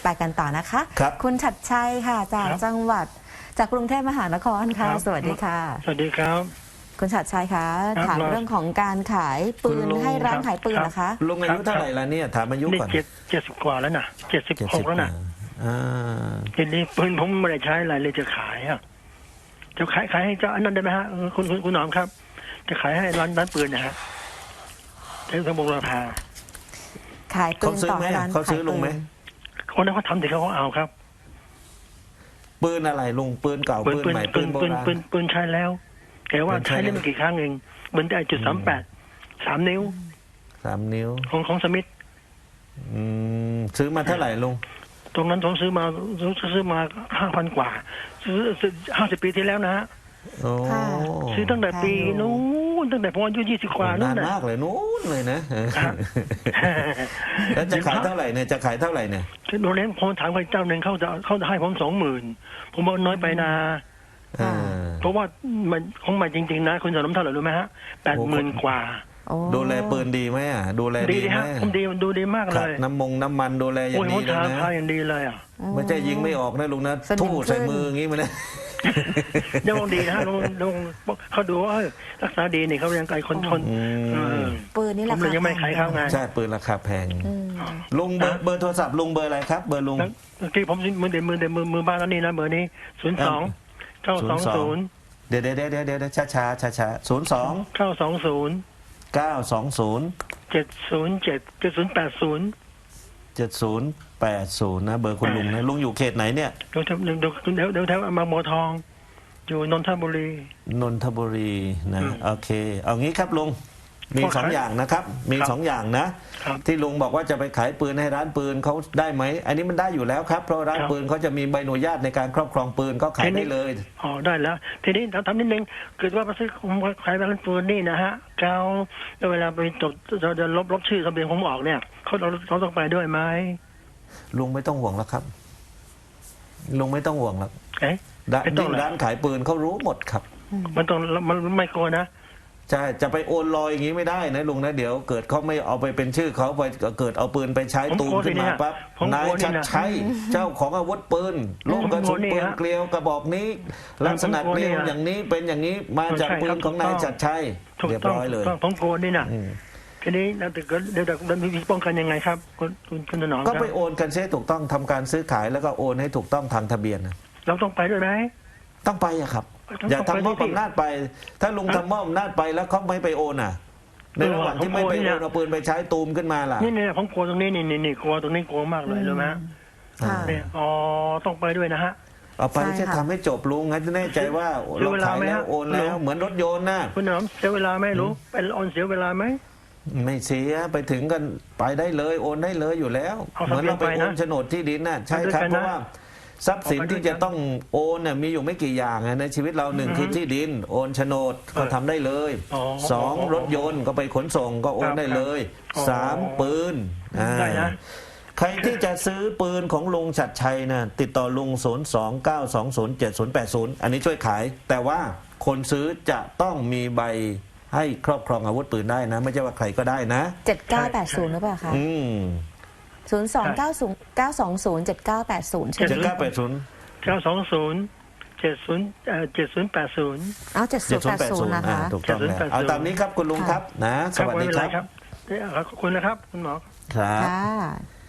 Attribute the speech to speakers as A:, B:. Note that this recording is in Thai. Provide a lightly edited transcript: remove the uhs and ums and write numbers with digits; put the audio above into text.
A: ไปกันต่อนะคะ
B: ครับ
A: คุณฉัตรชัยค่ะจาก
C: ครับ
A: จังหวัดจากกรุงเทพมหานครค่ะ
C: ครับ
A: สวัสดีค่ะ
C: สวัสดีครับ
A: คุณฉัตรชัยคะ
C: ครับ
A: ถามเรื่องของการขายปื
B: คุณ
A: น
B: ลุง
A: ให้ร้าน
C: ครับ
A: ขายปืน
C: ครับ
A: นะคะ
B: ลุงอายุเท่าไหร่แล้วเนี่ยถามอายุ
C: นี่
B: ก่อน
C: 70 กว่าแล้วนะ76แล้วนะ
B: อ่า
C: ทีนี้ปืนผมไม่ได้ใช้อะไรเลยจะขายอ่ะจะขายให้เจ้าอันนั้นได้ไหมฮะคุณหนอมครับ จะขายให้ร้านปืนนะฮะใช้สมบูรณราคา
A: ขายปื
B: เขา
A: น
B: ซื้อ
A: ต่อ
B: ไหม
A: ให้ร้าน
B: เขาซื้อ
A: ขาย
B: ลุงไหม
C: คนนั้นเขาทำเด็กเขาเอาครับ
B: ปืนอะไรลุงปืนเก่าปืนใหม่ปืนโบราณ
C: ปืนใช้แล้วแต่ว่า
B: ปืนใช้
C: ใช้ได้
B: แล้ว
C: ไม่กี่ครั้งเองเหมือนได้จุด38 3 นิ้ว
B: 3 นิ้ว
C: ของสมิธ
B: ซื้อมาเท่าไหร่ลุง
C: ตรงนั้นผมซื้อมา5,000 กว่าซื้อ50 ปีที่แล้วนะฮะ
B: โอ้
C: ซื้อตั้งแต่ปีนู้นตั้งแต่ผมอายุ20 กว่านู้
B: นาน
C: น
B: มากเลยนู้นเลยนะแล้วจะขายเท่าไหร่เนี่ยจะขายเท่าไหร่เนี่ย
C: โรงเรียนผมถามใครเจ้าหนึ่งเขาจะให้ผม20,000ผมบอกน้อยไปนะ
B: อ่า
C: เพราะว่ามันของใหม่จริงๆนะคุณสนมเท่าไหร่รู้ไหมฮะ80,000 กว่า
A: โอ้
B: ดูแลปืนดีไหมอ่ะดูแล
C: ดี
B: ดี
C: ดิ
B: ไหม
C: ฮะผมดีดูดีมากเล
B: ขัด
C: ย
B: น้ำมันดูแลอย่า
C: โอ้ย
B: ง
C: ผ
B: ดี
C: ม
B: เลย
C: ทา
B: นะ
C: ทาอย่างดีเลยอ่ะ
B: ไม่ใช่ยิงไม่ออกนะลุงนะทู่ใส่มืออย่างงี้มันนะ
C: ยังดีนะฮะลงเขาดูว่ารักษาดีนี่เขายังไกลคน
A: ปืนนี่
C: ผ
A: ราม
C: เล
A: คาย
C: ยังไม่ขายเข้าไง
B: ใช่ปืนราคาแพงลุงเบอร์โทรศัพท์ลุงเบอร์อะไรครับเบอร์ลุง
C: เมื่อกี้ผมมือบ้านแล้วนี่นะเบอร์นี้02 920
B: เดี๋ยวช้า02
C: 920
B: 920
C: 707
B: 7080นะเบอร์คุณลุงนะลุงอยู่เขตไหนเนี่ย
C: เดี๋ยวแถวบางบัวทอง อยู่นนทบุรี
B: นนทบุรีนะโอเคเอางี้ครับลุงมีสองอย่างนะครับมีสองอย่างนะครับ ที่ลุงบอกว่าจะไปขายปืนให้ร้านปืนเขาได้ไหมอันนี้มันได้อยู่แล้วครับเพราะร้าน
C: ครับ
B: ปืนเขาจะมีใบอนุญาตในการครอบครองปืนก็ขายได้เลย
C: อ๋อได้แล้ว ทีนี้ทำนิดนึงเกิดว่าไปซื้อของขายร้านปืนนี่นะฮะแล้วเวลาไปจดจะลบชื่อทะเบียนผมออกเนี่ยเราต้องไปด้วยไหม
B: ลุงไม่ต้องห่วงแล้วครับลุงไม่ต้องห่วงแล้ว
C: เอ๊ะ ไม่ต้องเหรอ
B: ร้านขายปืนเขารู้หมดครับ
C: มันไม่กลัวนะ
B: ใช่จะไปโอนลอยอย่างนี้ไม่ได้นะลุงนะเดี๋ยวเกิดเขาไม่เอาไปเป็นชื่อเขาไปเกิดเอาปืนไปใช้
C: ผม
B: ตูม
C: กลัว
B: ขึ้นมา
C: เนี่ย
B: ปั๊บ
C: ผมกลั
B: นายว
C: นี่
B: ชัด
C: นะ
B: ชัยเจ้าของอาวุธปืนลูกกระสุน
C: ผมกลัวนี่
B: ปืน
C: ฮะ
B: เกลียวกระบอกนี้ ลักษณะ
C: ผมกลัว
B: เกลียว
C: นี่นะ
B: อย่างนี้เป็นอย่างนี้มาจาก
C: ใช่
B: ปื
C: ครั
B: น
C: บ
B: ของนายชัดชัย
C: ถูก
B: เรียบ
C: ต้อง
B: ร้อยเลย
C: ผมกลัวนี่นะ
B: อืม
C: ทีนี้แล้วแต่ก็เดี๋ยวมีวิธีป้องกันยังไงครับคุณถนอมค
B: ก็
C: รับ
B: ไปโอนกันเสียถูกต้องทำการซื้อขายแล้วก็โอนให้ถูกต้องทางทะเบียนนะ
C: เราต้องไปด้วยไหม
B: ต้องไปอะครับ
C: ต้อง
B: อย่า
C: ต้อง
B: ทำมอบ
C: ไปดิ
B: อำนาจไป ถ้าลุงทำมอบอำนาจไปแล้วเขาไม่ไปโอนอ่ะ ในระหว่างที่ไม่ไปโอนเอาปืนไปใช้ตูมขึ้นมาล่ะ
C: นี่ผมกลัวตรงนี้นี่กลัวตรงนี้กลัวมากเลยรู้ไหม
A: ค่ะ
C: เนี่ยอ๋อต้องไปด้วยนะฮะ
B: เอาไป
A: ใช่
B: จะ
A: ค่ะ
B: ทำให้จบลุงงั้นจะแน่ใจว่า
C: ซื้
B: เรา
C: อเวลา
B: ขาย
C: ไหม
B: แล้ว
C: ฮะ
B: โอนแล้วเหมือนรถยนต์นะ
C: คุณถนอมเสียเวลาไหมรู้เป็นออนเสียเวลาไหม
B: ไม่เสียไปถึงกันไปได้เลยโอนได้เลยอยู่แล้ว
C: เอา
B: เหมือนเราไป
C: ทะเบียนไป
B: โอ
C: นะ
B: นโฉนดที่ดินน่ะใช่ครับ
C: เอาด้วยกัน
B: เพ
C: นะ
B: ราะว่าทรัพย์สิน
C: เอาไปด้วย
B: ที่จะต้องโอนน่ะมีอยู่ไม่กี่อย่างอะในชีวิตเราหนึ่งคือที่ดินโอนโฉนดก็ทำได้เลย
C: อ๋อ
B: สองรถยนต์ก็ไปขนส่งก็โอนได้เลย
C: อ๋อ
B: สามปืน
C: ได้นะ
B: ใครที่จะซื้อปืนของลุงฉัตรชัยนะติดต่อลุง029207080อันนี้ช่วยขาย แต่ว่าคนซื้อจะต้องมีใบให้ครอบครองอาวุธปืนได้นะ ไม่ใช่ว่าใครก็ได้นะ
A: 7980หรือเปล่าคะ
B: อืม
A: 02909207980ใช่ไหม
B: 7980
C: 920 7080
A: เอา 7080นะคะ
B: ถูกต้องแล้วเอาตามนี้ครับคุณลุงครับนะ สวัสดี
C: ไม่เป็น
B: ค
C: ไร
B: รับ
C: ครับขอบคุณนะครับคุณหมอ
B: ครับ
A: ค่ะ